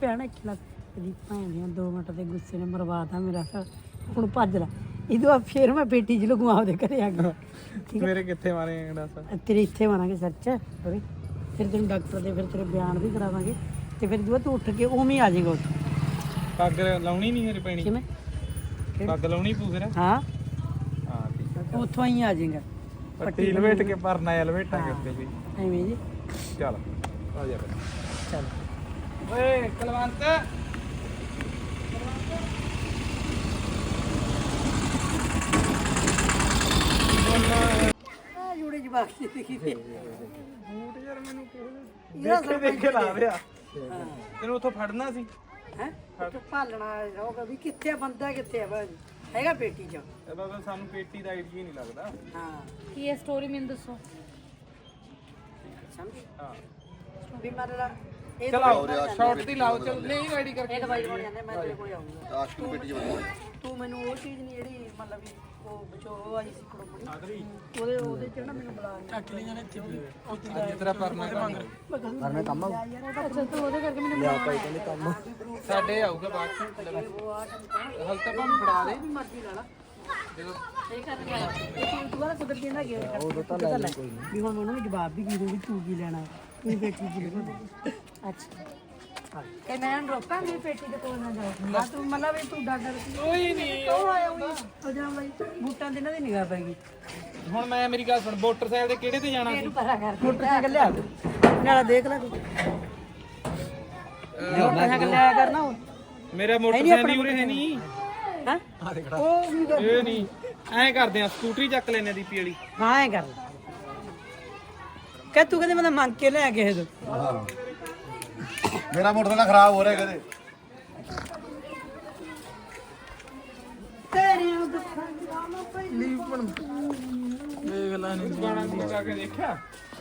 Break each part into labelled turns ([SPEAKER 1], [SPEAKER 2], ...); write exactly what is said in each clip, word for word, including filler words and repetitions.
[SPEAKER 1] ਭੈਣ ਖਿਲਾ ਦੀ ਭੈਣ ਦੀਆਂ ਦੋ ਮਿੰਟ ਦੇ ਗੁੱਸੇ ਨੇ ਮਰਵਾਤਾ ਮੇਰਾ ਹੁਣ ਭੱਜ ਲੈ ਇਹਦੋਂ ਫੇਰ ਮੈਂ ਬੇਟੀ ਚ ਲਗਵਾ ਉਹਦੇ ਘਰੇ ਆ ਗਿਆ
[SPEAKER 2] ਮੇਰੇ ਕਿੱਥੇ ਮਾਰੇ ਗੰਡਾਸਾ
[SPEAKER 1] ਤੇਰੇ ਇੱਥੇ ਮਾਰਾਂਗੇ ਸਰਚ ਫਿਰ ਤੈਨੂੰ ਡਾਕਟਰ ਦੇ ਫਿਰ ਤੇਰੇ ਬਿਆਨ ਵੀ ਕਰਾਵਾਂਗੇ ਤੇ ਫਿਰ ਜਦੋਂ ਤੂੰ ਉੱਠ ਕੇ ਉਵੇਂ ਆ ਜਾਏਗਾ ਉੱਥੇ
[SPEAKER 2] ਪੱਗ ਲਾਉਣੀ ਨਹੀਂ ਮੇਰੀ ਪੈਣੀ
[SPEAKER 1] ਕਿਵੇਂ
[SPEAKER 2] ਪੱਗ ਲਾਉਣੀ ਪੂ ਫਿਰ
[SPEAKER 1] ਹਾਂ
[SPEAKER 2] ਹਾਂ ਠੀਕ ਹੈ
[SPEAKER 1] ਉੱਥੋਂ ਹੀ ਆ ਜਾਏਗਾ
[SPEAKER 2] ਪੱਟੀ ਲਵੇਟ ਕੇ ਪਰਨਾ ਆ ਲਵੇਟਾਂਗੇ ਉੱਤੇ ਵੀ
[SPEAKER 1] ਐਵੇਂ ਜੀ
[SPEAKER 2] ਚੱਲ ਆ ਜਾ ਫਿਰ
[SPEAKER 1] ਚੱਲ
[SPEAKER 2] ਓਏ ਕਲਵੰਤ
[SPEAKER 1] ਆ ਜੂੜੇ ਜਵਾਕ ਜੀ ਦੇਖੀ ਤੇ
[SPEAKER 2] ਬੂਟ ਯਾਰ ਮੈਨੂੰ ਦੇਖੇ ਦੇਖੇ ਲਾ ਰਿਹਾ ਤੈਨੂੰ ਉੱਥੋਂ ਫੜਨਾ ਸੀ
[SPEAKER 1] ਹੈ ਤੂੰ ਭਾਲਣਾ ਹੋਗਾ ਵੀ ਕਿੱਥੇ ਬੰਦਾ ਕਿੱਥੇ ਆ ਬਾਜੀ ਹੈਗਾ ਪੇਟੀ ਚ
[SPEAKER 2] ਇਹਦਾ ਤਾਂ ਸਾਨੂੰ ਪੇਟੀ ਦਾ ਆਈਡੀਆ ਨਹੀਂ ਲੱਗਦਾ
[SPEAKER 1] ਹਾਂ
[SPEAKER 3] ਕੀ ਇਹ ਸਟੋਰੀ ਮੈਨੂੰ ਦੱਸੋ
[SPEAKER 1] ਸਮਝੀ
[SPEAKER 2] ਹਾਂ
[SPEAKER 1] ਵੀ ਮਰਲਾ ਇਹ
[SPEAKER 2] ਚਲਾਓ ਸ਼ਾਰਟ ਦੀ ਲਾਓ ਚੱਲ ਨਹੀਂ ਰੈਡੀ ਕਰਕੇ
[SPEAKER 1] ਇਹ ਦਵਾਈ ਹੋਣੀ ਜਾਂਦੇ ਮੈਂ ਤੇਰੇ ਕੋਲ ਆਉਂਗਾ
[SPEAKER 4] ਆਸ਼ਕੀ ਪੇਟੀ ਚ ਬੰਦ
[SPEAKER 1] ਤੂੰ ਮੈਨੂੰ ਉਹ ਚੀਜ਼ ਨਹੀਂ ਜਿਹੜੀ ਮਤਲਬ ਵੀ ਉਹ ਵਿਚੋ ਉਹ ਆਈ ਸੀ ਕੁੜਮਣੀ ਉਹਦੇ ਉਹਦੇ ਚ ਨਾ ਮੈਨੂੰ ਬੁਲਾ ਚੱਕ ਲਈ ਜਾਣੇ
[SPEAKER 2] ਅੱਜ ਤੇਰਾ ਪਰਨਾ ਕੰਮ
[SPEAKER 1] ਕਰਨਾ ਕੰਮ
[SPEAKER 3] ਅੱਛਾ ਤੂੰ ਉਹਦੇ ਕਰਕੇ ਮੈਨੂੰ
[SPEAKER 4] ਲਿਆ ਭਾਈ ਕਹਿੰਦੇ ਕੰਮ
[SPEAKER 2] ਸਾਡੇ ਆਊਗਾ ਬਾਅਦ ਚ ਹਲ ਤਾਂ ਭਾਵੇਂ ਫੜਾ ਦੇ
[SPEAKER 1] ਮਰਜ਼ੀ ਲਾ ਲਾ
[SPEAKER 2] ਜਦੋਂ
[SPEAKER 1] ਇਹ ਕਰਨ ਗਿਆ ਇਹ ਦੁਬਾਰਾ ਕੁਦਰਤੀ ਨਾ ਗਿਆ ਉਹ ਤਾਂ ਲੈ ਕੋਈ ਨਹੀਂ ਵੀ ਹੁਣ ਉਹਨੂੰ ਵੀ ਜਵਾਬ ਵੀ ਕੀ ਦੂੰ ਵੀ ਤੂੰ ਕੀ ਲੈਣਾ ਤੂੰ ਬੇਟੀ ਕੀ ਲੈਣਾ
[SPEAKER 3] ਅੱਛਾ ਤੇ ਮੈਂ ਰੋਕਾਂ ਦੀ ਪੇਟੀ ਦੇ ਕੋਲ ਨਾ ਜਾਓ
[SPEAKER 1] ਹਾਂ ਤੂੰ ਮਤਲਬ ਵੀ ਤੂੰ ਡਾਕਟਰ
[SPEAKER 2] ਕੋਈ ਨਹੀਂ
[SPEAKER 1] ਉਹ ਆਇਆ ਹੋਈ ਅਜਾ ਬਾਈ ਬੂਟਾਂ ਦੇ ਇਹਨਾਂ ਦੀ ਨਿਗਾਹ ਪੈ ਗਈ
[SPEAKER 2] ਹੁਣ ਮੈਂ ਮੇਰੀ ਗੱਲ ਸੁਣ ਮੋਟਰਸਾਈਕਲ ਤੇ ਕਿਹੜੇ ਤੇ ਜਾਣਾ ਸੀ
[SPEAKER 1] ਪਤਾ ਕਰ ਮੋਟਰਸਾਈਕਲ ਲਿਆ ਨਾਲਾ ਦੇਖ ਲੈ ਤੂੰ ਮੋਟਰਸਾਈਕਲ ਲਿਆ ਕਰਨਾ ਉਹ
[SPEAKER 2] ਮੇਰਾ ਮੋਟਰਸਾਈਕਲ ਹੀ ਉਰੇ ਹੈ ਨਹੀਂ
[SPEAKER 1] ਹਾਂ ਉਹ ਵੀ ਕਰ-
[SPEAKER 2] ਇਹ ਨਹੀਂ ਐਂ ਕਰਦੇ ਆ ਸਕੂਟਰੀ ਚੱਕ ਲੈਨੇ ਦੀਪੀ ਵਾਲੀ
[SPEAKER 1] ਹਾਂ ਐ ਕਰ ਲੈ ਕਿ ਤੂੰ ਕਹਿੰਦੇ ਮੈਂ ਮੰਗ ਕੇ ਲਿਆ ਕਿਸੇ ਤੋਂ
[SPEAKER 4] ਹਾਂ ਮੇਰਾ ਮੋਟਰਸਾਈਕਲ ਖਰਾਬ ਹੋ ਰਿਹਾ ਕਦੇ
[SPEAKER 1] ਤੇਰੀਆਂ ਦੁੱਖਾਂ ਦੀ ਰਾਮਾ ਪਹਿਲੀ
[SPEAKER 2] ਦੇਖ ਲੈ ਨਹੀਂ ਗਾਣਾ ਗਾ ਕੇ ਦੇਖਿਆ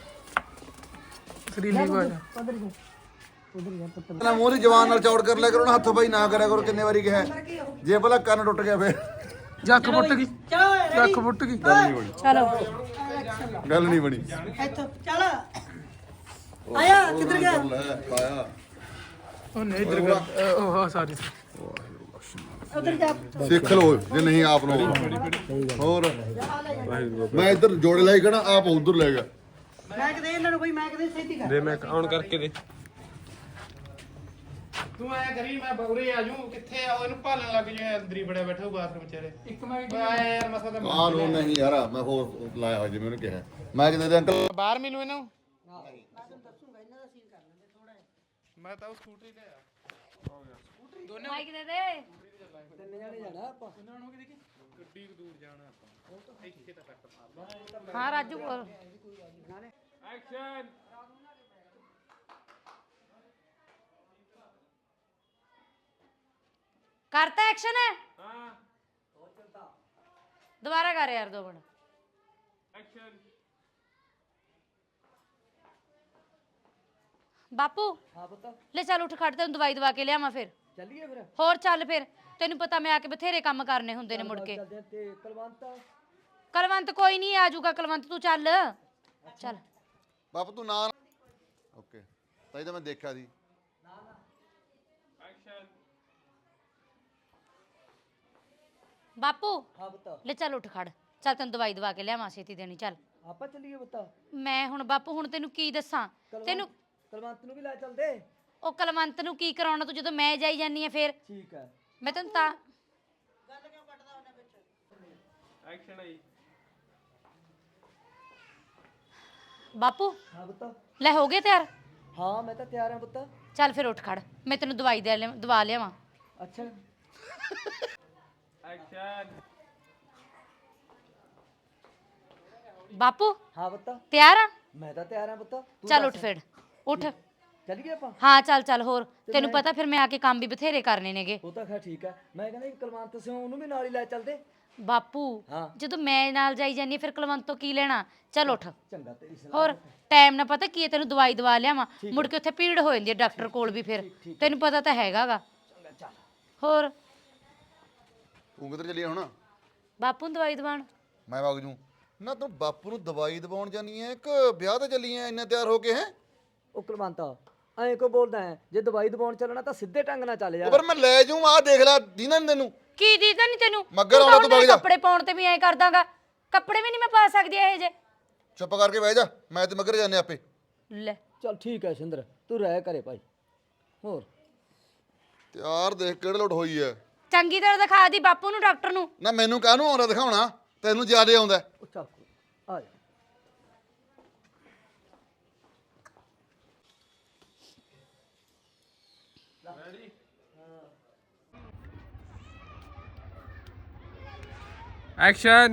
[SPEAKER 2] ਸਰੀਲੀ ਬਾਜਾ
[SPEAKER 1] ਉਧਰ ਜਾ ਉਧਰ ਜਾ ਪੁੱਤ
[SPEAKER 4] ਪਹਿਲਾਂ ਮੂੰਹ ਦੀ ਜਵਾਨ ਨਾਲ ਚੌੜ ਕਰ ਲਿਆ ਕਰੋ ਨਾ ਹੱਥ ਬਾਈ ਨਾ ਕਰਿਆ ਕਰੋ ਕਿੰਨੇ ਵਾਰੀ ਕਿਹਾ ਜੇ ਭਲਾ ਕੰਨ ਟੁੱਟ ਗਿਆ ਫੇਰ
[SPEAKER 2] ਜੱਕ ਫੁੱਟ ਗਈ
[SPEAKER 1] ਚਲੋ
[SPEAKER 2] ਜੱਕ ਫੁੱਟ ਗਈ
[SPEAKER 3] ਚਲੋ
[SPEAKER 4] ਗੱਲ ਨਹੀਂ ਬਣੀ
[SPEAKER 1] ਇੱਥੋਂ ਚੱਲ ਆਇਆ ਕਿੱਧਰ ਗਿਆ
[SPEAKER 4] ਪਾਇਆ
[SPEAKER 2] ਉਹ ਨਹੀਂ ਇਧਰ ਕਰ ਉਹ ਹਾਂ ਸਾਰੀ
[SPEAKER 1] ਉਧਰ ਜਾ
[SPEAKER 4] ਸਿੱਖ ਲਓ ਜੇ ਨਹੀਂ ਆਪ ਨੂੰ ਹੋਰ ਮੈਂ ਇੱਧਰ ਜੋੜੇ ਲਾਈ ਖੜਾ ਆਪ ਉਧਰ ਲੈ ਗਿਆ
[SPEAKER 1] ਮੈਂ ਕਿਤੇ ਇਹਨਾਂ ਨੂੰ ਕੋਈ ਮੈਂ ਕਿਤੇ ਛੇਤੀ ਕਰ
[SPEAKER 2] ਦੇ ਮੈਂ ਆਨ ਕਰਕੇ ਦੇ ਤੂੰ ਐ ਕਰੀ ਮੈਂ ਬਉਰੇ ਆ ਜੂ ਕਿੱਥੇ ਆ ਉਹ ਇਹਨੂੰ ਭਾਲਣ ਲੱਗ ਜੂ ਅੰਦਰ ਹੀ ਬੜਿਆ ਬੈਠਾ ਉਹ ਬਾਥਰੂਮ ਚਾਰੇ ਇੱਕ ਮਿੰਟ ਯਾਰ ਮਸਾ ਤਾਂ
[SPEAKER 4] ਆਹ ਨੂੰ ਨਹੀਂ ਯਾਰ ਮੈਂ ਹੋਰ ਲਾਇਆ ਹੋਇਆ ਜਿਵੇਂ ਉਹਨੇ ਕਿਹਾ ਮੈਂ ਕਿਤੇ ਦੇ ਅੰਕਲ
[SPEAKER 2] ਬਾਹਰ ਮਿਲੂ ਇਹਨੂੰ ਮੈਂ ਤਾਂ ਉਹ ਸਕੂਟਰੀ ਤੇ ਆ
[SPEAKER 3] ਮਾਈਕ ਦੇ ਦੇ
[SPEAKER 2] ਗੱਡੀ ਦੂਰ ਜਾਣਾ ਆਪਾਂ ਇੱਥੇ ਤਾਂ ਕੱਟ ਮਾਰਦਾ
[SPEAKER 3] ਹਾਂ ਰਾਜੂ ਬੋਲ
[SPEAKER 2] ਐਕਸ਼ਨ
[SPEAKER 3] ਕਰਤਾ ਐਕਸ਼ਨ ਹੈ
[SPEAKER 2] ਹਾਂ
[SPEAKER 3] ਦੁਬਾਰਾ ਕਰ ਯਾਰ ਦੋ ਮਿੰਟ
[SPEAKER 2] ਐਕਸ਼ਨ
[SPEAKER 3] ਬਾਪੂ
[SPEAKER 1] ਹਾਂ ਪੁੱਤ
[SPEAKER 3] ਲੈ ਚੱਲ ਉੱਠ ਖੜ ਤੈਨੂੰ ਦਵਾਈ ਦਵਾ ਕੇ ਲਿਆਵਾਂ ਫਿਰ
[SPEAKER 1] ਚੱਲੀਏ ਫਿਰ
[SPEAKER 3] ਹੋਰ ਚੱਲ ਫਿਰ ਤੈਨੂੰ ਪਤਾ ਮੈਂ ਆ ਕੇ ਬਥੇਰੇ ਕੰਮ ਕਰਨੇ ਹੁੰਦੇ ਨੇ ਮੁੜ ਕੇ
[SPEAKER 1] ਚੱਲਦੇ ਤੇ ਕਲਵੰਤ
[SPEAKER 3] ਕਲਵੰਤ ਕੋਈ ਨਹੀਂ ਆ ਜਾਊਗਾ ਕਲਵੰਤ ਤੂੰ ਚੱਲ ਚੱਲ
[SPEAKER 4] ਬਾਪ ਤੂੰ ਨਾ ਓਕੇ ਤਾਂ ਇਹ ਤਾਂ ਮੈਂ ਦੇਖਿਆ ਸੀ
[SPEAKER 2] ਐਕਸ਼ਨ
[SPEAKER 3] ਬਾਪੂ
[SPEAKER 1] ਹਾਂ ਪੁੱਤ
[SPEAKER 3] ਲੈ ਚੱਲ ਉੱਠ ਖੜ ਚੱਲ ਤੈਨੂੰ ਦਵਾਈ ਦਵਾ ਕੇ ਲਿਆਵਾਂ ਛੇਤੀ ਦੇਣੀ ਚੱਲ
[SPEAKER 1] ਆਪਾਂ ਚੱਲੀਏ ਪੁੱਤ
[SPEAKER 3] ਮੈਂ ਹੁਣ ਬਾਪੂ ਹੁਣ ਤੈਨੂੰ ਕੀ ਦੱਸਾਂ ਤੈਨੂੰ
[SPEAKER 1] ਕਲਵੰਤ ਨੂੰ ਵੀ ਲੈ ਚੱਲਦੇ
[SPEAKER 3] ਉਹ ਕਲਵੰਤ ਨੂੰ ਕੀ ਕਰਾਉਣਾ ਤੂੰ ਜਦੋਂ ਮੈਂ ਜਾਈ ਜਾਨੀ ਆ ਫੇਰ
[SPEAKER 1] ਠੀਕ ਹੈ
[SPEAKER 3] ਮੈਂ ਤੈਨੂੰ ਤਾਂ
[SPEAKER 2] ਐਕਸ਼ਨ ਆਈ
[SPEAKER 3] ਬਾਪੂ
[SPEAKER 1] ਹਾਂ ਪੁੱਤ
[SPEAKER 3] ਲੈ ਹੋ ਗਏ ਤਿਆਰ
[SPEAKER 1] ਹਾਂ ਮੈਂ ਤਾਂ ਤਿਆਰ ਹਾਂ ਪੁੱਤ
[SPEAKER 3] ਚੱਲ ਫਿਰ ਉੱਠ ਖੜ ਮੈਂ ਤੈਨੂੰ ਦਵਾਈ ਦੇ ਲਿਆ ਦਵਾ ਲਿਆਵਾਂ
[SPEAKER 1] ਅੱਛਾ
[SPEAKER 2] ਐਕਸ਼ਨ
[SPEAKER 3] ਬਾਪੂ
[SPEAKER 1] ਹਾਂ ਪੁੱਤ
[SPEAKER 3] ਤਿਆਰ ਆ
[SPEAKER 1] ਮੈਂ ਤਾਂ ਤਿਆਰ ਹਾਂ ਪੁੱਤ ਤੂੰ
[SPEAKER 3] ਚੱਲ ਉੱਠ ਫਿਰ ਉੱਠ
[SPEAKER 1] ਚੱਲੀਏ ਆਪਾਂ
[SPEAKER 3] ਹਾਂ ਚੱਲ ਚੱਲ ਹੋਰ ਤੈਨੂੰ ਪਤਾ ਫਿਰ ਮੈਂ ਆ ਕੇ ਕੰਮ ਵੀ ਬਥੇਰੇ ਕਰਨੇ ਨੇਗੇ
[SPEAKER 1] ਉਹ ਤਾਂ ਖੈਰ ਠੀਕ ਹੈ ਮੈਂ ਕਹਿੰਦਾ ਕਲਵੰਤ ਸਿੰਘ ਉਹਨੂੰ ਵੀ ਨਾਲ ਹੀ ਲੈ ਚੱਲਦੇ
[SPEAKER 3] ਬਾਪੂ
[SPEAKER 1] ਹਾਂ।
[SPEAKER 3] ਜਦੋਂ ਮੈਂ ਨਾਲ ਜਾਈ ਜਾਨੀ ਆਂ, ਫਿਰ ਕਲਵੰਤ ਤੋਂ ਕੀ ਲੈਣਾ ਚੱਲ ਉੱਠ
[SPEAKER 1] ਚੰਗਾ ਤੇਰੀ ਸਲਾਹ
[SPEAKER 3] ਹੋਰ ਟਾਈਮ ਨਾ ਪਤਾ ਕੀ ਹੈ ਤੈਨੂੰ ਦਵਾਈ ਦਵਾ ਲਿਆਵਾਂ ਮੁੜ ਕੇ ਉੱਥੇ ਭੀੜ ਹੋ ਜਾਂਦੀ ਹੈ ਡਾਕਟਰ ਕੋਲ ਵੀ ਫਿਰ ਤੈਨੂੰ ਪਤਾ ਤਾਂ ਹੈਗਾਗਾ
[SPEAKER 1] ਚੰਗਾ ਚੱਲ
[SPEAKER 3] ਹੋਰ
[SPEAKER 4] ਤੂੰ ਕਿੱਧਰ ਚੱਲੀ ਹੁਣ
[SPEAKER 3] ਬਾਪੂ ਨੂੰ ਦਵਾਈ ਦਵਾਣ
[SPEAKER 4] ਮੈਂ ਵਗ ਜੂ ਨਾ ਤੂੰ ਬਾਪੂ ਨੂੰ ਦਵਾਈ ਦਵਾਉਣ ਜਾਨੀ ਐ ਕਿ ਵਿਆਹ ਤੇ ਚੱਲੀ ਐ ਇੰਨਾ ਤਿਆਰ ਹੋ ਕੇ ਹੈ
[SPEAKER 1] ਉਹ ਕਲਵੰਤ
[SPEAKER 5] ਐਂ ਕੋ ਬੋਲਦਾ ਹੈ ਜੇ ਦਵਾਈ ਦਵਾਉਣ ਚੱਲਣਾ ਤਾਂ ਸਿੱਧੇ ਢੰਗ ਨਾਲ ਚੱਲ ਯਾਰ।
[SPEAKER 4] ਪਰ ਮੈਂ ਲੈ ਜਾਊਂ ਆ ਦੇਖ ਲੈ ਦੀਨਾ ਨੀ ਤੈਨੂੰ
[SPEAKER 3] ਕੀ ਦੀਦਾ ਨਹੀਂ ਤੈਨੂੰ
[SPEAKER 4] ਮੱਘਰ
[SPEAKER 3] ਤੂੰ
[SPEAKER 4] ਆਉਣਾ
[SPEAKER 3] ਤਾਂ
[SPEAKER 4] ਤੂੰ ਵਗ ਜਾ।
[SPEAKER 3] ਕੱਪੜੇ ਪਾਉਣ ਤੇ ਵੀ ਐਂ ਕਰਦਾਗਾ ਕੱਪੜੇ ਵੀ ਨਹੀਂ ਮੈਂ ਪਾ ਸਕਦੀ ਇਹ ਜੇ
[SPEAKER 4] ਚੁੱਪ ਕਰਕੇ ਬਹਿ ਜਾ ਮੈਂ ਤੇ ਮਗਰ ਜਾਂਦੇ ਆਪੇ।
[SPEAKER 3] ਲੈ
[SPEAKER 5] ਚੱਲ ਠੀਕ ਹੈ ਸਿੰਦਰ ਤੂੰ ਰਹਿ ਕਰੇ ਭਾਈ। ਹੋਰ
[SPEAKER 4] ਤਿਆਰ ਦੇਖ ਕਿਹੜੇ ਲੋਟ ਹੋਈ ਐ।
[SPEAKER 3] ਚੰਗੀ ਤਰ੍ਹਾਂ ਦਿਖਾ ਦੀ ਬਾਪੂ ਨੂੰ ਡਾਕਟਰ ਨੂੰ।
[SPEAKER 4] ਨਾ ਮੈਨੂੰ ਕਾਹਨੂੰ ਆਉਂਦਾ ਦਿਖਾਉਣਾ ਤੈਨੂੰ ਜ਼ਿਆਦਾ ਆਉਂਦਾ।
[SPEAKER 5] ਉਹ ਚੱਲ ਆ ਜਾ।
[SPEAKER 2] ਐਕਸ਼ਨ।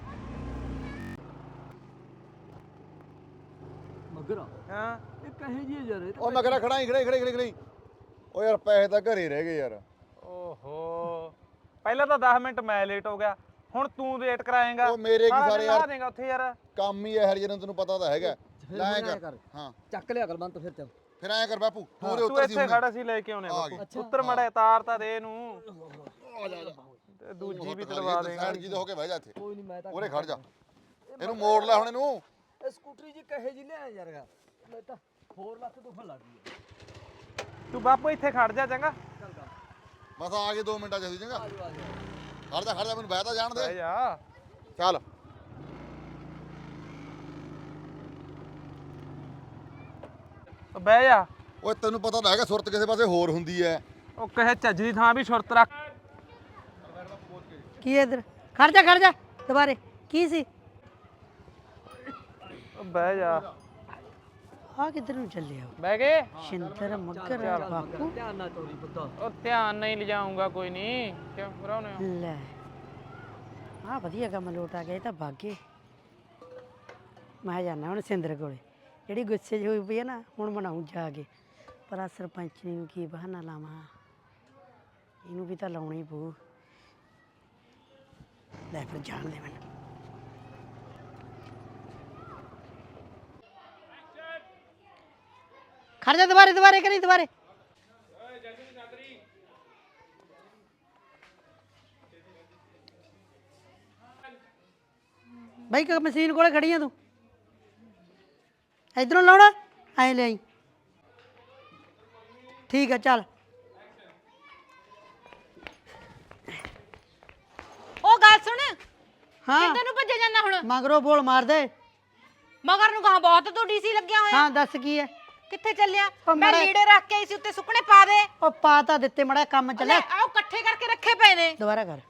[SPEAKER 5] ਮਗਰਾ
[SPEAKER 2] ਹਾਂ
[SPEAKER 5] ਇਹ ਕਹੇ ਜੀ ਯਾਰ ਇਹ ਤਾਂ
[SPEAKER 4] ਉਹ ਮਗਰਾ ਖੜਾ ਹੀ ਖੜੇ ਖੜੇ ਖੜੇ ਖੜੇ ਓ ਯਾਰ ਪੈਸੇ ਤਾਂ ਘਰੇ ਰਹਿ ਗਏ ਯਾਰ।
[SPEAKER 2] ਓਹੋ ਪਹਿਲਾਂ ਤਾਂ ਦਸ ਮਿੰਟ ਮੈਂ ਲੇਟ ਹੋ ਗਿਆ ਹੁਣ ਤੂੰ ਲੇਟ ਕਰਾਏਗਾ।
[SPEAKER 4] ਉਹ ਮੇਰੇ ਕੀ ਸਾਰੇ ਯਾਰ
[SPEAKER 2] ਦੇਗਾ ਉੱਥੇ ਯਾਰ
[SPEAKER 4] ਕੰਮ ਹੀ ਐ ਹਰ ਜਿਹਨੂੰ ਤੈਨੂੰ ਪਤਾ ਤਾਂ ਹੈਗਾ।
[SPEAKER 5] ਫਿਰ
[SPEAKER 4] ਲੈ
[SPEAKER 5] ਹੁਣ ਐਂ
[SPEAKER 4] ਕਰ
[SPEAKER 5] ਕਰ।
[SPEAKER 4] ਹਾਂ
[SPEAKER 5] ਚੱਕ ਲਿਆ ਕਰ ਬੰਤ ਫਿਰ ਚੱਲ।
[SPEAKER 4] ਫਿਰ ਐਂ ਕਰ ਬਾਪੂ ਤੂੰ ਉਰੇ
[SPEAKER 2] ਤੂੰ
[SPEAKER 4] ਉੱਤਰ ਸੀ
[SPEAKER 2] ਇੱਥੇ
[SPEAKER 4] ਹੁਣ।
[SPEAKER 2] ਖੜਾ ਸੀ ਲੈ ਕੇ ਆਉਣੇ
[SPEAKER 4] ਆ ਗਈ।
[SPEAKER 2] ਬਾਪੂ ਉੱਤਰ ਮੜਾ ਤਾਰ ਤਾਂ ਦੇ ਇਹਨੂੰ
[SPEAKER 4] ਆ ਜਾ ਆ ਜਾ
[SPEAKER 2] ਤੇ ਦੂਜੀ ਵੀ ਤੜਵਾ ਦੇਗਾ।
[SPEAKER 4] ਸਾਈਡ ਜੀ ਦੇ ਹੋ ਕੇ ਬਹਿ ਜਾ ਇੱਥੇ
[SPEAKER 5] ਕੋਈ ਨਹੀਂ ਮੈਂ ਤਾਂ
[SPEAKER 4] ਉਰੇ ਖੜ ਜਾ ਇਹਨੂੰ ਮੋੜ ਲੈ ਹੁਣ ਇਹਨੂੰ।
[SPEAKER 5] ਇਹ ਸਕੂਟਰੀ ਜੀ ਕਹੇ ਜੀ ਲਿਆ ਯਾਰ ਮੈਂ ਤਾਂ ਹੋਰ ਲੱਤ ਦੁਖਣ ਲੱਗ ਗਈ ਹੈ।
[SPEAKER 2] ਤੂੰ ਬਾਪੂ ਇੱਥੇ ਖੜ ਜਾ ਚੰਗਾ।
[SPEAKER 5] ਚੱਲ ਕਰ
[SPEAKER 4] ਬਸ ਆ ਗਏ ਦੋ ਮਿੰਟਾਂ ਚ ਅਸੀਂ ਚੰਗਾ।
[SPEAKER 5] ਆ ਜਾ ਆ ਜਾ।
[SPEAKER 4] ਖੜ ਜਾ ਖੜ ਜਾ ਮੈਨੂੰ ਬਹਿ ਤਾਂ ਜਾਣ
[SPEAKER 2] ਬਹਿ
[SPEAKER 4] ਦੇ।
[SPEAKER 2] ਜਾ।
[SPEAKER 4] ਚੱਲ
[SPEAKER 2] ਉਹ ਬਹਿ ਜਾ।
[SPEAKER 4] ਓਏ ਤੈਨੂੰ ਪਤਾ ਤਾਂ ਹੈਗਾ ਸੁਰਤ ਕਿਸੇ ਪਾਸੇ ਹੋਰ ਹੁੰਦੀ ਐ।
[SPEAKER 2] ਉਹ ਕਹੇ ਚੱਜ ਦੀ ਥਾਂ ਵੀ ਸੁਰਤ ਰੱਖ।
[SPEAKER 1] ਕੀ ਹੈ ਇਧਰ ਖੜ ਜਾ ਖੜ ਜਾ ਦੁਬਾਰੇ ਕੀ ਸੀ
[SPEAKER 2] ਉਹ ਬਹਿ ਜਾ।
[SPEAKER 1] ਆ ਕਿੱਧਰ ਨੂੰ ਚੱਲਿਆ
[SPEAKER 2] ਬਹਿ ਗਏ।
[SPEAKER 1] ਸ਼ਿੰਦਰ ਮੱਗਰ ਬਾਪੂ
[SPEAKER 5] ਧਿਆਨ ਨਾਲ ਤੋਰੀ ਪੁੱਤ।
[SPEAKER 2] ਉਹ ਧਿਆਨ ਨਹੀਂ ਲਿਜਾਊਂਗਾ ਕੋਈ ਨਹੀਂ ਕਿਉਂ ਬਰਾਉਨੇ ਹੋ।
[SPEAKER 1] ਲੈ ਆ ਵਧੀਆ ਕੰਮ ਲੋਟ ਆ ਗਿਆ ਇਹ ਤਾਂ ਭਾਗੇ ਮੈਂ ਜਾਣਾ ਹੁਣ ਸਿੰਦਰ ਕੋਲੇ ਜਿਹੜੀ ਗੁੱਸੇ 'ਚ ਹੋਈ ਪਈ ਹੈ ਨਾ ਹੁਣ ਮਨਾਉਂ ਜਾ ਕੇ ਪਰ ਆ ਸਰਪੰਚਣੀ ਨੂੰ ਕੀ ਬਹਾਨਾ ਲਾਵਾਂ ਇਹਨੂੰ ਵੀ ਤਾਂ ਲਾਉਣਾ ਹੀ ਪਊ ਲੈ ਫਿਰ ਜਾਣ ਦੇ ਮੈਨੂੰ ਖੜ ਜਾ ਦੁਬਾਰੇ ਦੁਬਾਰੇ ਕਰੀ ਦੁਬਾਰੇ ਬਾਈ ਕ ਮਸ਼ੀਨ ਕੋਲੇ ਖੜੀ ਆ ਤੂੰ ਇਧਰੋਂ ਲਾਉਣਾ ਐ ਲੈ ਆਈ ਠੀਕ ਹੈ ਚੱਲ
[SPEAKER 3] ਉਹ ਗੱਲ ਸੁਣ
[SPEAKER 1] ਹਾਂ
[SPEAKER 3] ਕਿੱਧਰ ਨੂੰ ਭੱਜੇ ਜਾਂਦਾ ਹੁਣ
[SPEAKER 1] ਮਗਰੋਂ ਬੋਲ ਮਾਰ ਦੇ
[SPEAKER 3] ਮਗਰ ਨੂੰ ਕਹਾ ਬਹੁਤ ਤੂੰ ਡੀਸੀ ਲੱਗਿਆ ਹੋਇਆ
[SPEAKER 1] ਹਾਂ ਦੱਸ ਕੀ ਹੈ
[SPEAKER 3] ਕਿੱਥੇ ਚੱਲਿਆ
[SPEAKER 1] ਉਹ
[SPEAKER 3] ਮੈਂ
[SPEAKER 1] ਮਾੜਾ-
[SPEAKER 3] ਲੀੜੇ ਰੱਖ ਕੇ ਆਈ ਸੀ ਉੱਤੇ ਸੁੱਕਣੇ ਪਾ ਦੇ
[SPEAKER 1] ਉਹ ਪਾ ਤਾਂ ਦਿੱਤੇ ਮੜਾ ਕੰਮ
[SPEAKER 3] ਲੈ
[SPEAKER 1] ਚੱਲਿਆ
[SPEAKER 3] ਆਓ ਇਕੱਠੇ ਕਰਕੇ ਰੱਖੇ ਪਏ ਨੇ
[SPEAKER 1] ਦੁਬਾਰਾ ਕਰ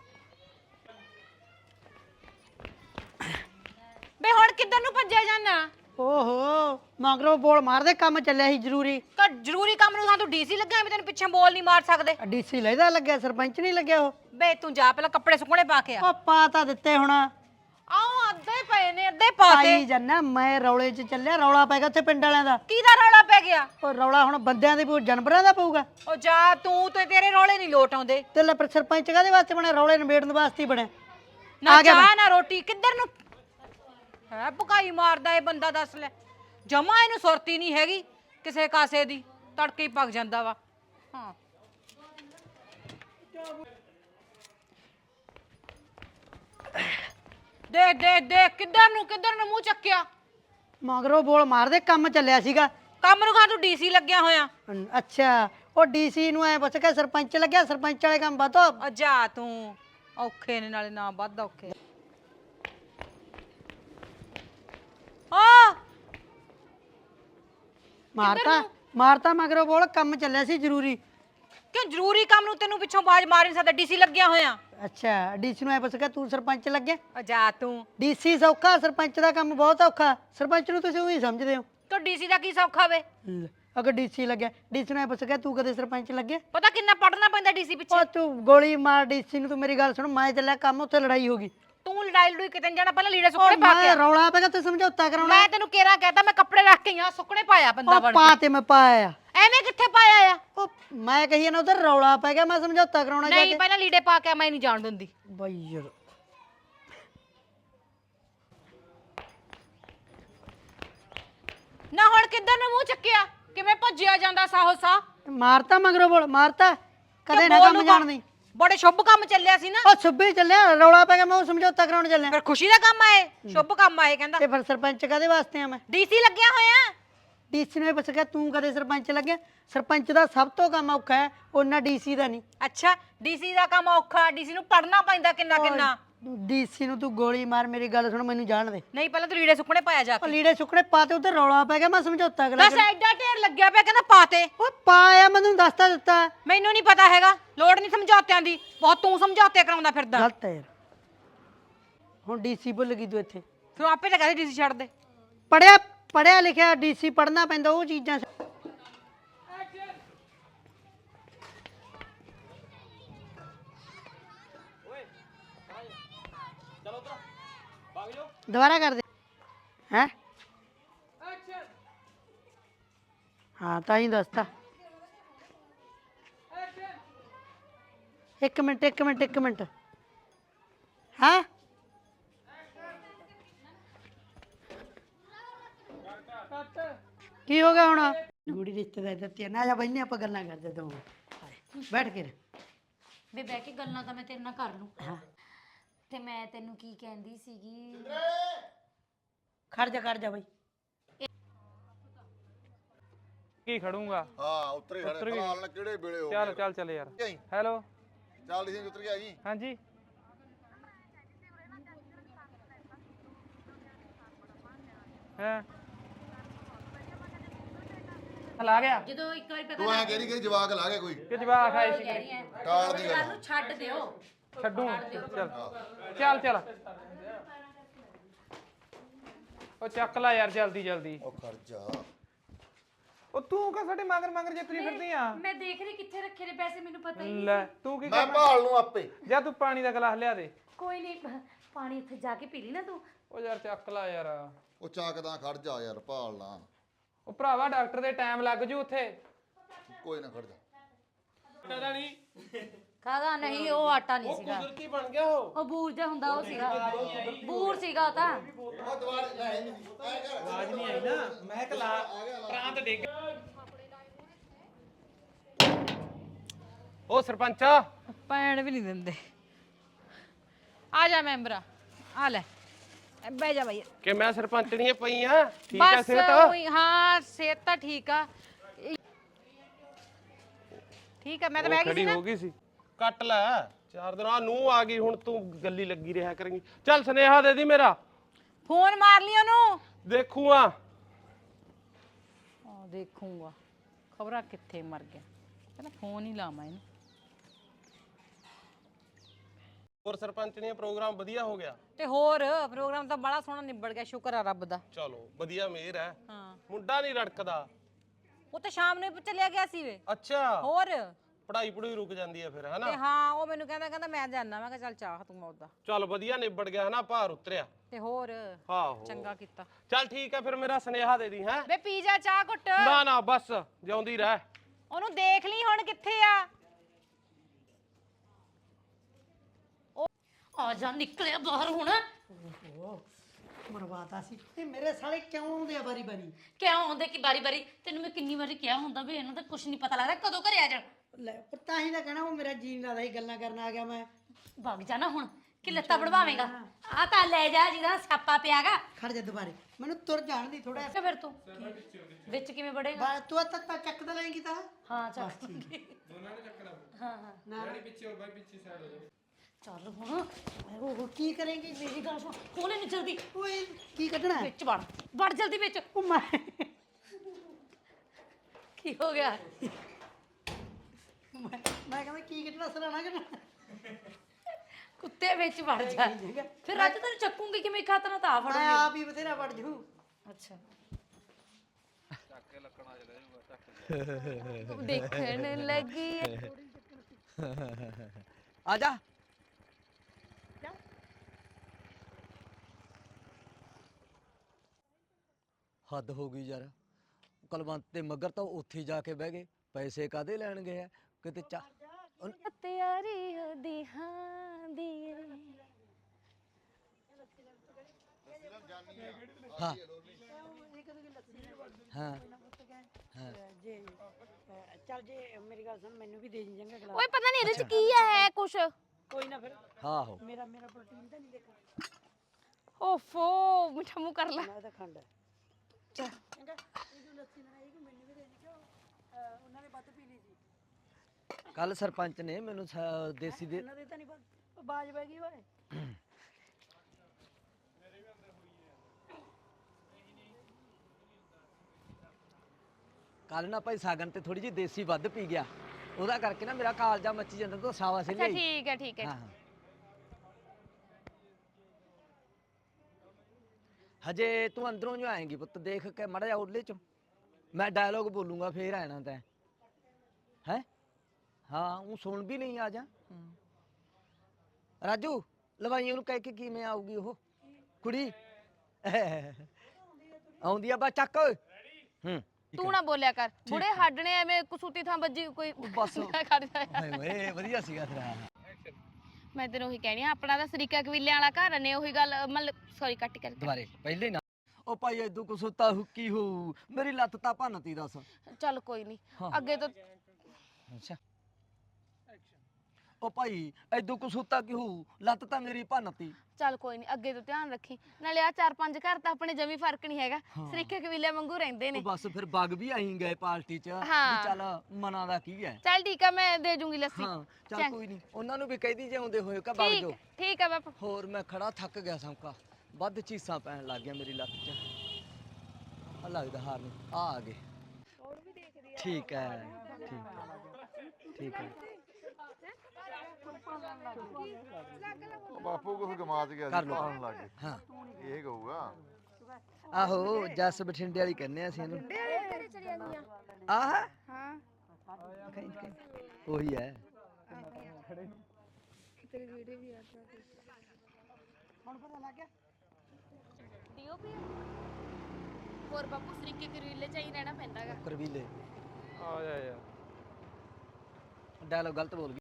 [SPEAKER 3] ਬੇ ਹੁਣ ਕਿੱਧਰ ਨੂੰ ਭੱਜਿਆ ਜਾਂਦਾ
[SPEAKER 1] ਓਹੋ ਮਗਰੋਂ ਬੋਲ ਮਾਰ ਦੇ ਕੰਮ ਚੱਲਿਆ ਸੀ ਜ਼ਰੂਰੀ
[SPEAKER 3] ਤਾਂ ਜ਼ਰੂਰੀ ਕੰਮ ਨੂੰ ਤਾਂ ਤੂੰ ਡੀਸੀ ਲੱਗਿਆ ਵੀ ਤੈਨੂੰ ਪਿੱਛੇ ਬੋਲ ਨਹੀਂ ਮਾਰ ਸਕਦੇ
[SPEAKER 1] ਡੀਸੀ ਲੈਦਾ ਲੱਗਿਆ ਸਰਪੰਚ ਨਹੀਂ ਲੱਗਿਆ ਉਹ
[SPEAKER 3] ਬੇ ਤੂੰ ਜਾ ਪਹਿਲਾਂ ਕੱਪੜੇ ਸੁੱਕਣੇ ਪਾ ਕੇ ਆ
[SPEAKER 1] ਉਹ ਪਾ ਤਾਂ ਦਿੱਤੇ ਹੁਣ
[SPEAKER 3] ਆਓ ਅੱਧੇ ਪਏ ਨੇ ਅੱਧੇ ਪਾਤੇ
[SPEAKER 1] ਪਾਈ ਜੰਨਾ ਮੈਂ ਰੌਲੇ 'ਚ ਚੱਲਿਆ ਰੌਲਾ ਪੈ ਗਿਆ ਉੱਥੇ ਪਿੰਡ ਵਾਲਿਆਂ ਦਾ
[SPEAKER 3] ਕਿਹਦਾ ਰੌਲਾ ਪੈ ਗਿਆ
[SPEAKER 1] ਉਹ ਰੌਲਾ ਹੁਣ ਬੰਦਿਆਂ ਦੇ ਪਊ ਜਾਨਵਰਾਂ ਦਾ ਪਊਗਾ
[SPEAKER 3] ਉਹ ਜਾ ਤੂੰ ਤੇ ਤੇਰੇ ਰੌਲੇ ਨਹੀਂ ਲੋਟ ਆਉਂਦੇ
[SPEAKER 1] ਤੇ ਲੈ ਪਰ ਸਰਪੰਚ ਕਾਦੇ ਵਾਸਤੇ ਬਣਿਆ ਰੌਲੇ ਨਿਬੇੜਨ ਵਾਸਤੇ ਹੀ ਬਣਿਆ
[SPEAKER 3] ਨਾ ਚਾਹ ਨਾ ਰੋਟੀ ਕਿੱਧਰ ਨੂੰ ਹੈ ਭੁਕਾਈ ਮਾਰਦਾ ਇਹ ਬੰਦਾ ਦੱਸ ਲੈ ਜਮਾ ਇਹਨੂੰ ਸੁਰਤੀ ਨਹੀਂ ਹੈਗੀ ਕਿਸੇ ਕਾਸੇ ਦੀ ਤੜਕੇ ਹੀ ਪੱਕ ਜਾਂਦਾ ਵਾ ਹਾਂ ਦੇਖ ਦੇਖ ਦੇਖ ਕਿੱਧਰ ਨੂੰ ਕਿੱਧਰ ਨੂੰ ਮੂੰਹ ਚੱਕਿਆ
[SPEAKER 1] ਮਗਰੋਂ ਬੋਲ ਮਾਰ ਦੇ ਕੰਮ ਚੱਲਿਆ ਸੀਗਾ
[SPEAKER 3] ਕੰਮ ਨੂੰ ਖਾ ਤੂੰ ਡੀਸੀ ਲੱਗਿਆ ਹੋਇਆ
[SPEAKER 1] ਅੰ, ਅੱਛਾ ਉਹ ਡੀਸੀ ਨੂੰ ਐ ਪੁੱਛ ਕੇ ਸਰਪੰਚ ਲੱਗਿਆ ਸਰਪੰਚ ਵਾਲੇ ਕੰਮ ਬਾਤੋ
[SPEAKER 3] ਆ ਜਾ ਤੂੰ ਔਖੇ ਨੇ ਨਾਲੇ ਨਾ ਵੱਧ ਔਖੇ ਆ
[SPEAKER 1] ਮਾਰਤਾ ਮਾਰਤਾ ਮਗਰੋਂ ਬੋਲ ਕੰਮ ਚੱਲਿਆ ਸੀ ਜ਼ਰੂਰੀ
[SPEAKER 3] ਕਿਉਂ ਜ਼ਰੂਰੀ ਕੰਮ ਨੂੰ ਤੈਨੂੰ ਪਿੱਛੋਂ ਬਾਜ ਮਾਰ ਨਹੀਂ ਸਕਦਾ ਡੀਸੀ ਲੱਗਿਆ ਹੋਇਆ
[SPEAKER 1] ਅੱਛਾ ਡੀਸੀ ਨੂੰ ਐ ਪੁੱਛ ਕੇ ਤੂੰ ਸਰਪੰਚ ਲੱਗਿਆ
[SPEAKER 3] ਆ ਜਾ ਤੂੰ
[SPEAKER 1] ਡੀਸੀ ਸੌਖਾ ਸਰਪੰਚ ਦਾ ਕੰਮ ਬਹੁਤ ਔਖਾ ਸਰਪੰਚ ਨੂੰ ਤੁਸੀਂ ਉਹੀ ਸਮਝਦੇ ਹੋ
[SPEAKER 3] ਤੂੰ ਡੀਸੀ ਦਾ ਕੀ ਸੌਖਾ ਵੇ
[SPEAKER 1] ਲੈ, ਅਗਰ ਡੀਸੀ ਲੱਗਿਆ ਡੀਸੀ ਨੂੰ ਐ ਪੁੱਛ ਕੇ ਤੂੰ ਕਦੇ ਸਰਪੰਚ ਲੱਗਿਆ
[SPEAKER 3] ਪਤਾ ਕਿੰਨਾ ਪੜਨਾ ਪੈਂਦਾ ਡੀਸੀ ਪਿੱਛੇ
[SPEAKER 1] ਉਹ ਤੂੰ ਗੋਲੀ ਮਾਰ ਡੀਸੀ ਨੂੰ ਤੂੰ ਮੇਰੀ ਗੱਲ ਸੁਣ ਮੈਂ ਚੱਲਿਆ ਕੰਮ ਉੱਥੇ ਲੜਾਈ ਹੋ ਗਈ
[SPEAKER 3] ਤੂੰ ਲੜਾਈ ਲੜੂਈ ਕਿਤੇ ਨੀ ਜਾਣਾ ਪਹਿਲਾਂ ਲੀੜੇ
[SPEAKER 1] ਉਹ
[SPEAKER 3] ਸੁੱਕਣੇ ਪਾ ਕੇ
[SPEAKER 1] ਮੈਂ
[SPEAKER 3] ਆ।
[SPEAKER 1] ਰੌਲਾ ਪੈ ਗਿਆ ਤੇ ਸਮਝੌਤਾ ਕਰਾਉਣਾ
[SPEAKER 3] ਮੈਂ ਤੈਨੂੰ ਕਿਹੜਾ ਕਹਤਾ ਮੈਂ ਕੱਪੜੇ ਰੱਖ ਕੇ ਆ ਸੁੱਕਣੇ ਪਾਇਆ ਬੰਦਾ
[SPEAKER 1] ਉਹ
[SPEAKER 3] ਬਣ
[SPEAKER 1] ਪਾ
[SPEAKER 3] ਕੇ
[SPEAKER 1] ਤੇ ਮੈਂ ਪਾਇਆ
[SPEAKER 3] ਐਵੇਂ ਕਿੱਥੇ ਪਾਇਆ ਆ
[SPEAKER 1] ਉਹ ਮੈਂ ਕਹੀ ਨਾ ਉਧਰ ਰੌਲਾ ਪੈ ਗਿਆ ਮੈਂ ਸਮਝੌਤਾ ਕਰਾਉਣਾ ਜਾ
[SPEAKER 3] ਨਹੀਂ
[SPEAKER 1] ਕੇ
[SPEAKER 3] ਪਹਿਲਾਂ ਲੀੜੇ ਪਾ ਕੇ ਆ, ਮੈਂ ਨਹੀਂ ਜਾਣ ਦਿੰਦੀ
[SPEAKER 1] ਬਈ ਯਾਰ
[SPEAKER 3] ਨਾ ਹੁਣ ਕਿੱਧਰ ਨੂੰ ਮੂੰਹ ਚੱਕਿਆ ਕਿਵੇਂ ਭੱਜਿਆ ਜਾਂਦਾ ਸਾਹੋ ਸਾ
[SPEAKER 1] ਮਾਰਤਾ ਮਗਰੋਂ ਬੋਲ ਮਾਰਤਾ ਕਦੇ ਨਾ ਕੰਮ ਜਾਣਦੀ
[SPEAKER 3] ਬੜੇ ਸ਼ੁਭ ਕੰਮ ਚੱਲਿਆ ਸੀ ਨਾ
[SPEAKER 1] ਉਹ ਸੁੱਬੀ ਚੱਲਿਆ ਰੌਲਾ ਪੈ ਗਿਆ ਮੈਂ ਉਹ ਸਮਝੌਤਾ ਕਰਾਉਣ ਚੱਲਿਆ
[SPEAKER 3] ਫਿਰ ਖੁਸ਼ੀ ਦਾ ਕੰਮ ਆਏ ਸ਼ੁਭ ਕੰਮ ਆਏ ਕਹਿੰਦਾ
[SPEAKER 1] ਤੇ ਫਿਰ ਸਰਪੰਚ ਕਾਦੇ ਵਾਸਤੇ ਆ ਮੈਂ
[SPEAKER 3] ਡੀਸੀ ਲੱਗਿਆ ਹੋਇਆ
[SPEAKER 1] ਡੀਸੀ ਨੂੰ ਇਹ ਪੁੱਛ ਗਿਆ ਤੂੰ ਕਦੇ ਸਰਪੰਚ ਲੱਗਿਆ? ਸਰਪੰਚ ਦਾ ਸਭ ਤੋਂ ਕੰਮ ਔਖਾ ਹੈ, ਉਹਨਾਂ ਡੀਸੀ ਦਾ ਨਹੀਂ।
[SPEAKER 3] ਅੱਛਾ ਡੀਸੀ ਦਾ ਕੰਮ ਔਖਾ, ਡੀਸੀ ਨੂੰ ਪੜਨਾ ਪੈਂਦਾ ਕਿੰਨਾ ਕਿੰਨਾ।
[SPEAKER 1] ਡੀਸੀ ਨੂੰ ਤੂੰ ਗੋਲੀ ਮਾਰ, ਮੇਰੀ ਗੱਲ ਸੁਣ, ਮੈਨੂੰ ਜਾਣ ਦੇ।
[SPEAKER 3] ਨਹੀਂ ਪਹਿਲਾਂ ਤੂੰ ਲੀੜੇ ਸੁੱਕਣੇ ਪਾਇਆ ਜਾ
[SPEAKER 1] ਉਹ
[SPEAKER 3] ਕੇ।
[SPEAKER 1] ਲੀੜੇ ਸੁੱਕਣੇ ਪਾਤੇ, ਉੱਧਰ ਰੌਲਾ ਪੈ ਗਿਆ, ਮੈਂ ਸਮਝੌਤਾ ਕਰਾ।
[SPEAKER 3] ਬਸ ਐਡਾ ਢੇਰ ਲੱਗਿਆ ਪਿਆ ਕਹਿੰਦਾ ਪਾਤੇ।
[SPEAKER 1] ਉਹ ਪਾਇਆ, ਮੈਨੂੰ ਦੱਸਤਾ ਦਿੱਤਾ।
[SPEAKER 3] ਮੈਨੂੰ ਨਹੀਂ ਪਤਾ ਹੈਗਾ, ਲੋੜ ਨਹੀਂ ਸਮਝੌਤਿਆਂ ਦੀ, ਬਹੁਤ ਤੂੰ ਸਮਝੌਤੇ ਕਰਾਉਂਦਾ ਫਿਰਦਾ।
[SPEAKER 1] ਗਲਤ ਹੈ ਯਾਰ, ਹੁਣ ਡੀਸੀ ਭੁੱਲ ਗਈ ਤੂੰ ਇੱਥੇ।
[SPEAKER 3] ਫਿਰ ਆਪੇ ਤਾਂ ਕਹਿੰਦੇ ਡੀਸੀ ਛੱਡ ਦੇ।
[SPEAKER 1] ਪੜਿਆ ਪੜਿਆ ਲਿਖਿਆ ਡੀਸੀ ਪੜਨਾ ਪੈਂਦਾ, ਉਹ ਚੀਜ਼ਾਂ ਦੁਬਾਰਾ ਕਰ ਦੇ ਹੈ। ਹਾਂ ਤਾਂ ਹੀ ਦੱਸਤਾ। ਇੱਕ ਮਿੰਟ ਇੱਕ ਮਿੰਟ ਇੱਕ ਮਿੰਟ ਹਾਂ ਕੀ ਹੋ ਗਿਆ ਹੁਣ? ਗੂੜੀ ਰਿਸ਼ਤੇਦਾਰ ਦਿੱਤੀ ਨਾ, ਜਾ ਬੈਠਨੇ ਆਪਾਂ ਗੱਲਾਂ ਕਰਦੇ ਦੋ ਬੈਠ ਕੇ।
[SPEAKER 6] ਵੇ ਬਹਿ ਕੇ ਗੱਲਾਂ ਤਾਂ ਮੈਂ ਤੇਰੇ ਨਾਲ ਕਰ ਲੂੰ।
[SPEAKER 1] ਹਾਂ
[SPEAKER 6] ਤੇ ਮੈਂ ਤੈਨੂੰ ਕੀ ਕਹਿੰਦੀ ਸੀਗੀ,
[SPEAKER 1] ਖੜ ਜਾ ਖੜ ਜਾ ਬਈ।
[SPEAKER 2] ਕੀ ਖੜੂੰਗਾ?
[SPEAKER 4] ਹਾਂ ਉੱਤਰੇ ਖੜੇ ਖਲਾਲ ਨਾਲ ਕਿਹੜੇ ਵੇਲੇ ਹੋ
[SPEAKER 2] ਚੱਲ ਚੱਲ ਚੱਲ ਯਾਰ। ਹੈਲੋ
[SPEAKER 4] ਚੱਲ ਸਿੰਘ ਉਤਰ ਗਿਆ ਜੀ।
[SPEAKER 2] ਹਾਂਜੀ ਹਾਂ ਲਾ ਗਿਆ
[SPEAKER 6] ਜਦੋਂ ਇੱਕ ਵਾਰੀ ਪਤਾ
[SPEAKER 4] ਤੂੰ ਐ ਕਹਿ ਰਹੀ ਕਿ ਜਵਾਕ ਲਾ ਗਿਆ ਕੋਈ
[SPEAKER 2] ਕਿ ਜਵਾਕ ਆਏ ਸੀ
[SPEAKER 6] ਕਹਿ ਰਹੀ ਐ
[SPEAKER 4] ਟਾਲ ਦੀ ਗੱਲ।
[SPEAKER 6] ਨੂੰ ਛੱਡ ਦਿਓ।
[SPEAKER 2] ਛੱਡੂ ਚੱਲ ਚੱਲ ਚੱਲ ਉਹ ਚੱਕ ਲੈ ਯਾਰ ਜਲਦੀ ਜਲਦੀ।
[SPEAKER 4] ਉਹ ਖਰਚਾ
[SPEAKER 2] ਉਹ ਤੂੰ ਕਾ ਸਾਡੇ ਮਗਰ ਮਗਰ ਜੇ ਤੁਰੀ ਫਿਰਦੀ ਆ?
[SPEAKER 6] ਮੈਂ ਦੇਖ ਰਹੀ ਕਿੱਥੇ ਰੱਖੇ ਨੇ ਪੈਸੇ, ਮੈਨੂੰ ਪਤਾ ਹੀ ਨਹੀਂ।
[SPEAKER 2] ਲੈ ਤੂੰ ਕੀ
[SPEAKER 4] ਮੈਂ
[SPEAKER 2] ਕਰਨਾ?
[SPEAKER 4] ਭਾਲ ਨੂੰ ਆਪੇ।
[SPEAKER 2] ਜਾਂ ਤੂੰ ਪਾਣੀ ਦਾ ਗਲਾਸ ਲਿਆ ਦੇ।
[SPEAKER 6] ਕੋਈ ਨਹੀਂ, ਪਾਣੀ ਉੱਥੇ ਜਾ ਕੇ ਪੀ ਲਈ ਨਾ ਤੂੰ।
[SPEAKER 2] ਉਹ ਯਾਰ ਚੱਕ ਲੈ ਯਾਰ।
[SPEAKER 4] ਉਹ ਚਾਕਦਾ ਖੜ ਜਾ ਯਾਰ, ਭਾਲ ਨਾ।
[SPEAKER 2] ਉਹ ਭਰਾਵਾ ਡਾਕਟਰ ਦੇ ਟਾਈਮ ਲੱਗ ਜੂ ਉੱਥੇ।
[SPEAKER 4] ਕੋਈ ਨਾ ਖੜ ਜਾ।
[SPEAKER 2] ਪਤਾ ਨਹੀਂ
[SPEAKER 6] ਕਾਹਦਾ ਨਹੀਂ, ਉਹ ਆਟਾ ਨਹੀਂ ਸੀਗਾ,
[SPEAKER 2] ਕੁਦਰਤੀ ਬਣ ਗਿਆ ਉਹ।
[SPEAKER 6] ਉਹ ਬੂਰ ਜਿਹਾ ਹੁੰਦਾ ਉਹ ਸੀਗਾ, ਬੂਰ ਸੀਗਾ ਉਹ ਤਾਂ।
[SPEAKER 4] ਉਹ ਦਵਾਰ ਲੈ ਨਹੀਂ
[SPEAKER 2] ਆਵਾਜ਼ ਨਹੀਂ ਆਈ ਨਾ, ਮੈਂ ਕਲਾ ਪ੍ਰਾਂਤ ਡਿੱਗ। ਉਹ ਸਰਪੰਚਾ
[SPEAKER 3] ਪੈਣ ਵੀ ਨਹੀਂ ਦਿੰਦੇ। ਆ ਜਾ ਮੈਂਬਰਾ, ਆ ਲੈ ਬਹਿ ਜਾ ਬਈ।
[SPEAKER 2] ਕਿ ਮੈਂ ਸਰਪੰਚਣੀਆਂ ਪਈ ਆ। ਠੀਕ ਆ
[SPEAKER 3] ਬਸ
[SPEAKER 2] ਸਿਹਤ?
[SPEAKER 3] ਉਹੀ, ਹਾਂ ਸਿਹਤ ਤਾਂ ਠੀਕ ਆ। ਠੀਕ ਆ, ਮੈਂ ਤਾਂ ਬਹਿ ਗਈ ਸੀ
[SPEAKER 2] ਖੜੀ
[SPEAKER 3] ਨਾ।
[SPEAKER 2] ਹੋ ਗਈ ਸੀ। ਕੱਟ ਲੈ ਚਾਰ ਦਿਨ ਆ ਨੂੰ ਆ ਗਈ, ਹੁਣ ਤੂੰ ਗੱਲੀ ਲੱਗੀ ਰਿਹਾ ਕਰੇਂਗੀ। ਚੱਲ ਸੁਨੇਹਾ ਦੇ ਦੀ ਮੇਰਾ।
[SPEAKER 3] ਫੋਨ ਮਾਰ ਲਈ ਉਹਨੂੰ।
[SPEAKER 2] ਦੇਖੂਗਾ।
[SPEAKER 3] ਆ ਦੇਖੂਗਾ, ਖਬਰਾਂ ਕਿੱਥੇ ਮਰ ਗਿਆ। ਕਹਿੰਦਾ ਫੋਨ ਹੀ ਲਾਵਾਂ ਇਹਨੂੰ।
[SPEAKER 2] ਹੋਰ ਸਰਪੰਚਣੀਆਂ ਪ੍ਰੋਗਰਾਮ ਵਧੀਆ ਹੋ ਗਿਆ।
[SPEAKER 3] ਤੇ ਹੋਰ ਪ੍ਰੋਗਰਾਮ ਤਾਂ ਬੜਾ ਸੋਹਣਾ ਨਿਬੜ ਗਿਆ, ਸ਼ੁਕਰ ਆ ਰੱਬ ਦਾ।
[SPEAKER 2] ਚਲੋ ਵਧੀਆ ਮਿਹਰ ਹੈ।
[SPEAKER 3] ਹਾਂ
[SPEAKER 2] ਮੁੰਡਾ ਨਹੀਂ ਰੜਕਦਾ।
[SPEAKER 3] ਉਹ ਤਾਂ ਸ਼ਾਮ ਨੂੰ ਹੀ ਚੱਲਿਆ ਗਿਆ ਸੀ ਵੇ।
[SPEAKER 2] ਅੱਛਾ
[SPEAKER 3] ਹੋਰ
[SPEAKER 2] ਪੜਾਈ ਪੜੂਈ ਰੁਕ ਜਾਂਦੀ ਹੈ ਫਿਰ,
[SPEAKER 3] ਤੇ
[SPEAKER 2] ਹਨਾ?
[SPEAKER 3] ਹਾਂ ਉਹ ਮੈਨੂੰ ਕਹਿੰਦਾ ਕਹਿੰਦਾ ਮੈਂ ਜਾਣਾ। ਮੈਂ ਕਿਹਾ ਚੱਲ ਚਾਹ ਤੂੰ ਮੌਦਾ।
[SPEAKER 2] ਚੱਲ ਵਧੀਆ ਨਿਬੜ ਗਿਆ, ਹਨਾ? ਭਾਰ ਉਤਰਿਆ।
[SPEAKER 3] ਤੇ ਹੋਰ
[SPEAKER 2] ਆਹੋ
[SPEAKER 3] ਚੰਗਾ ਕੀਤਾ।
[SPEAKER 2] ਚੱਲ ਠੀਕ ਹੈ ਫਿਰ, ਮੇਰਾ ਸੁਨੇਹਾ ਦੇ ਦੀ ਹੈ।
[SPEAKER 3] ਵੇ ਪੀ ਜਾ ਚਾਹ ਘੁੱਟ।
[SPEAKER 2] ਨਾ ਨਾ ਬਸ ਜਿਉਂਦੀ ਰਹਿ।
[SPEAKER 3] ਉਹਨੂੰ ਦੇਖ ਲਈ ਹੁਣ ਕਿੱਥੇ ਆ।
[SPEAKER 6] ਆ ਜਾ ਨਿਕਲਿਆ ਬਾਹਰ ਹੁਣ।
[SPEAKER 1] ਮਰਵਾਤਾ ਸੀ ਤੇ ਮੇਰੇ ਸਾਲੇ ਕਿਉਂ ਆਉਂਦੇ ਆ ਬਾਰੀ ਬਾਰੀ?
[SPEAKER 6] ਕਿਉਂ ਆਉਂਦੇ ਕਿ ਬਾਰੀ ਬਾਰੀ? ਤੈਨੂੰ ਮੈਂ ਕਿੰਨੀ ਵਾਰੀ ਕਿਹਾ ਹੁੰਦਾ ਵੀ ਇਹਨੂੰ ਤਾਂ ਕੁਝ ਨਹੀਂ ਪਤਾ ਲੱਗਦਾ ਕਦੋਂ ਘਰੇ ਆ ਜਾਣ।
[SPEAKER 1] ਲੈ ਉਹ ਤਾਂ ਹੀ ਤਾਂ ਕਹਿਣਾ, ਉਹ ਮੇਰਾ ਜੀਣ ਲਾਦਾ ਹੀ ਗੱਲਾਂ ਕਰਨ ਆ ਗਿਆ। ਮੈਂ
[SPEAKER 6] ਵਗ ਜਾ ਨਾ ਹੁਣ, ਕਿ ਲੱਤਾਂ ਵੜਵਾਵੇਂਗਾ? ਆ ਤਾਂ ਲੈ ਜਾ ਜਿਹਦਾ ਛਾਪਾ ਪਿਆਗਾ।
[SPEAKER 1] ਖੜ ਜਾ ਦੁਬਾਰੇ, ਮੈਨੂੰ ਤੁਰ ਜਾਣ ਦੀ ਥੋੜਾ।
[SPEAKER 6] ਤੇ ਫਿਰ ਤੂੰ ਵਿੱਚ ਕਿਵੇਂ ਵੜੇਗਾ?
[SPEAKER 1] ਤੂੰ ਤੱਕ ਤਾਂ ਚੱਕਦਾ ਲੈਂਗੀ ਤਾਂ।
[SPEAKER 6] ਹਾਂ ਚੱਲ
[SPEAKER 2] ਦੋਨਾਂ ਨੇ ਚੱਕਣਾ।
[SPEAKER 6] ਹਾਂ ਹਾਂ
[SPEAKER 1] ਨਾ
[SPEAKER 2] ਪਿੱਛੇ ਹੋਰ ਬਾਈ ਪਿੱਛੇ ਸਾਈਡ ਹੋ ਜਾ।
[SPEAKER 6] ਚੱਲ ਹੁਣ
[SPEAKER 1] ਉਹ ਕੀ ਕਰੇਂਗੀ?
[SPEAKER 6] ਮੇਰੀ ਗੱਲ ਸੁਣ, ਖੋਲੇ ਨੀ ਜਲਦੀ।
[SPEAKER 1] ਓਏ ਕੀ ਕੱਢਣਾ ਹੈ?
[SPEAKER 6] ਵਿੱਚ ਵੜ ਵੜ ਜਲਦੀ ਵਿੱਚ।
[SPEAKER 1] ਉਹ ਮੈਂ
[SPEAKER 6] ਕੀ ਹੋ ਗਿਆ?
[SPEAKER 1] ਮੈਂ ਮੈਂ ਕਹਿੰਦਾ ਕੀ ਕੱਢਣਾ, ਸਲਾਣਾ ਕੱਢਣਾ।
[SPEAKER 6] ਕੁੱਤੇ ਵਿੱਚ ਵੜ ਜਾ। ਫਿਰ ਰਾਤ ਤੈਨੂੰ ਚੱਕੂਗੀ ਕਿਵੇਂ? ਖਾਤਾ ਨਾ ਤਾਂ ਆ
[SPEAKER 1] ਮੈਂ
[SPEAKER 6] ਫੜੂਗੀ।
[SPEAKER 1] ਆਪ ਹੀ ਬਥੇਰਾ ਵੜ ਜੂ।
[SPEAKER 6] ਅੱਛਾ ਦੇਖਣ ਲੱਗੀ
[SPEAKER 5] ਆ ਜਾ। ਹੱਦ ਹੋ ਗਈ ਯਾਰ, ਕਲਵੰਤ ਤੇ ਮੱਗਰ ਤਾਂ ਉੱਥੇ ਜਾ ਕੇ ਬਹਿ ਗਏ। ਪੈਸੇ ਕਾਦੇ ਲੈਣ ਗਏ ਆ ਕਿਤੇ? ਚਾ
[SPEAKER 6] ਤਿਆਰੀ ਹੋਦੀ ਹਾਂ ਦੀ।
[SPEAKER 5] ਹਾਂ ਹਾਂ ਹਾਂ
[SPEAKER 1] ਜੇ ਚੱਲ ਜੇ ਮੇਰੀ ਗੱਲ ਸੁਣ, ਮੈਨੂੰ ਵੀ ਦੇ ਜੀ ਚੰਗਾ ਗਲਾਸ।
[SPEAKER 6] ਓਏ ਪਤਾ ਨਹੀਂ ਇਹਦੇ ਚ ਕੀ ਹੈ ਕੁਛ।
[SPEAKER 1] ਕੋਈ ਨਾ ਫਿਰ
[SPEAKER 5] ਆਹੋ
[SPEAKER 1] ਮੇਰਾ ਮੇਰਾ ਪ੍ਰੋਟੀਨ ਤਾਂ ਨਹੀਂ ਦੇਖਣਾ।
[SPEAKER 6] ਓਫੋ ਮਿੱਠਾ ਮੂੰਹ ਕਰ ਲੈ।
[SPEAKER 1] ਮੈਂ ਤਾਂ ਖੰਡ ਹੈ। ਚੰਗਾ ਲੱਸੀ ਲੜਾਈ ਕਿ ਮੈਨੂੰ ਵੀ ਦੇ ਜੀ ਕਿਉਂ ਉਹਨਾਂ ਨੇ ਵੱਧ ਪੀ ਲਈ ਸੀ
[SPEAKER 5] ਕੱਲ ਸਰਪੰਚ ਨੇ ਮੈਨੂੰ ਸ- ਦੇਸੀ ਦੇ
[SPEAKER 1] ਉਹਨਾਂ ਦੇ ਤਾਂ ਨਹੀਂ ਵੱਧ ਬਾਜ ਪੈ ਗਈ ਓਏ
[SPEAKER 5] ਕੱਲ ਨਾ ਭਾਈ ਸਾਗਨ ਤੇ ਥੋੜੀ ਜਿਹੀ ਦੇਸੀ ਵੱਧ ਪੀ ਗਿਆ ਉਹਦਾ ਕਰਕੇ ਨਾ ਮੇਰਾ ਕਾਲਜਾ ਮੱਚੀ ਜਾਂਦਾ ਤੋਂ ਸਾਵਾ ਸੇ
[SPEAKER 7] ਅੱਛਾ
[SPEAKER 5] ਲਈ
[SPEAKER 7] ਠੀਕ ਹੈ ਠੀਕ ਹੈ
[SPEAKER 5] ਹਾਂ ਹਾਂ। ਹਜੇ ਤੂੰ ਅੰਦਰੋਂ ਜੋ ਆਏਂਗੀ ਪੁੱਤ ਦੇਖ ਕੇ ਮੜਾ ਜਾ ਉਹਲੇ ਚੋਂ ਮੈਂ ਡਾਇਲੋਗ ਬੋਲੂੰਗਾ ਫੇਰ ਆਣਾ ਤੈਂ ਹੈ ਹਾਂ ਉਹ ਸੁਣ ਵੀ ਨਹੀਂ ਆ ਜਾ ਰਾਜੂ ਲਵਾਈ ਉਹਨੂੰ ਕਹਿ ਕੇ ਕਿਵੇਂ ਆਊਗੀ ਉਹ ਕੁੜੀ ਆਉਂਦੀ ਆ ਬਾ ਚੱਕ ਓਏ ਹੂੰ
[SPEAKER 7] ਤੂੰ ਨਾ ਬੋਲਿਆ ਕਰ ਬੁੜੇ ਹੱਡਣੇ ਐਵੇਂ ਕਸੂਤੀ ਥਾਂ ਵੱਜੀ ਕੋਈ
[SPEAKER 5] ਬਸ
[SPEAKER 7] ਕਰ ਜਾ
[SPEAKER 5] ਓਏ ਓਏ ਵਧੀਆ ਸੀਗਾ ਤੇਰਾ
[SPEAKER 7] ਮੈਂ ਤੈਨੂੰ ਉਹੀ ਕਹਿਣੀ ਆ ਆਪਣਾ ਤਾਂ ਸਰੀਕਾ ਕਬੀਲਿਆਂ ਵਾਲਾ ਘਰ ਨੇ ਉਹੀ ਗੱਲ ਮਤਲਬ ਸੌਰੀ ਕੱਟ ਕਰ
[SPEAKER 5] ਦੁਬਾਰੇ ਪਹਿਲੇ ਨਾ ਉਹ ਭਾਈ ਐਦੂ ਕੋ ਸੁੱਤਾ ਹੁੱਕੀ ਹੋ ਮੇਰੀ ਲੱਤ ਤਾਂ ਭੰਨਤੀ ਦੱਸ
[SPEAKER 7] ਚੱਲ ਕੋਈ ਨਹੀਂ
[SPEAKER 5] ਹਾਂ।
[SPEAKER 7] ਅੱਗੇ ਤੋਂ
[SPEAKER 5] ਅੱਛਾ ਉਹ ਭਾਈ ਐਦੂ ਕੋ ਸੁੱਤਾ ਕਿ ਹੋ ਲੱਤ ਤਾਂ ਮੇਰੀ ਭੰਨਤੀ
[SPEAKER 7] ਚੱਲ ਕੋਈ ਨਹੀਂ ਅੱਗੇ ਤੋਂ ਧਿਆਨ ਰੱਖੀ ਨਾਲੇ ਆ ਚਾਰ ਪੰਜ ਘਰ ਤਾਂ ਆਪਣੇ ਜਮੀ ਫਰਕ ਨਹੀਂ ਹੈਗਾ ਸਰੀਕੇ ਕਬੀਲਿਆਂ ਵਾਂਗੂ ਰਹਿੰਦੇ ਨੇ
[SPEAKER 5] ਉਹ ਬਸ ਫਿਰ ਬਗ ਵੀ ਆਈ ਗਏ ਪਾਰਟੀ ਚ
[SPEAKER 7] ਹਾਂ।
[SPEAKER 5] ਵੀ ਚੱਲ ਮਨਾਂ ਦਾ ਕੀ ਹੈ
[SPEAKER 7] ਚੱਲ ਠੀਕ ਆ ਮੈਂ ਦੇ ਜੂੰਗੀ ਲੱਸੀ
[SPEAKER 5] ਹਾਂ ਚੱਲ
[SPEAKER 7] ਚੰਗ-
[SPEAKER 5] ਕੋਈ ਨਹੀਂ ਉਹਨਾਂ ਨੂੰ ਵੀ ਕਹਿਦੀ ਜੇ ਆਉਂਦੇ ਹੋਏ ਕਾ ਬਗ
[SPEAKER 7] ਠੀਕ
[SPEAKER 5] ਜੋ
[SPEAKER 7] ਠੀਕ ਆ ਬਾਪੂ
[SPEAKER 5] ਹੋਰ ਮੈਂ ਖੜਾ ਥੱਕ ਗਿਆ ਸੰਕਾ ਵੱਧ ਚੀਸਾਂ ਪੈਣ ਲੱਗ ਗਿਆ ਮੇਰੀ ਲੱਤ 'ਚ ਆ ਲੱਗਦਾ ਹਾਰ ਨੂੰ ਆ ਆ ਗਏ ਠੀਕ ਹੈ ਠੀਕ ਠੀਕ ਹੈ
[SPEAKER 4] ਬਾਪੂ ਕੁਝ ਗਮਾਚ ਗਿਆ
[SPEAKER 5] ਕਰ
[SPEAKER 4] ਸੀ
[SPEAKER 5] ਲਓ।
[SPEAKER 4] ਪਾਣ ਲੱਗ ਗਏ
[SPEAKER 5] ਹਾਂ
[SPEAKER 4] ਇਹ ਕਹੂਗਾ
[SPEAKER 5] ਆਹੋ ਜੱਸ ਬਠਿੰਡੇ ਵਾਲੀ ਕਹਿੰਦੇ ਆ ਅਸੀਂ ਇਹਨੂੰ ਆਹ ਹਾਂ ਉਹੀ ਹੈ
[SPEAKER 7] ਡੀਓਪੀ ਹੋਰ ਬਾਪੂ ਸਰੀਕੇ ਕਬੀਲੇ ਚ ਹੀ ਰਹਿਣਾ ਪੈਂਦਾਗਾ
[SPEAKER 5] ਕਰਵੀਲੇ
[SPEAKER 2] ਆ ਜਾ ਯਾਰ
[SPEAKER 5] ਡਾਇਲੋਗ ਗਲਤ ਬੋਲ ਗਈ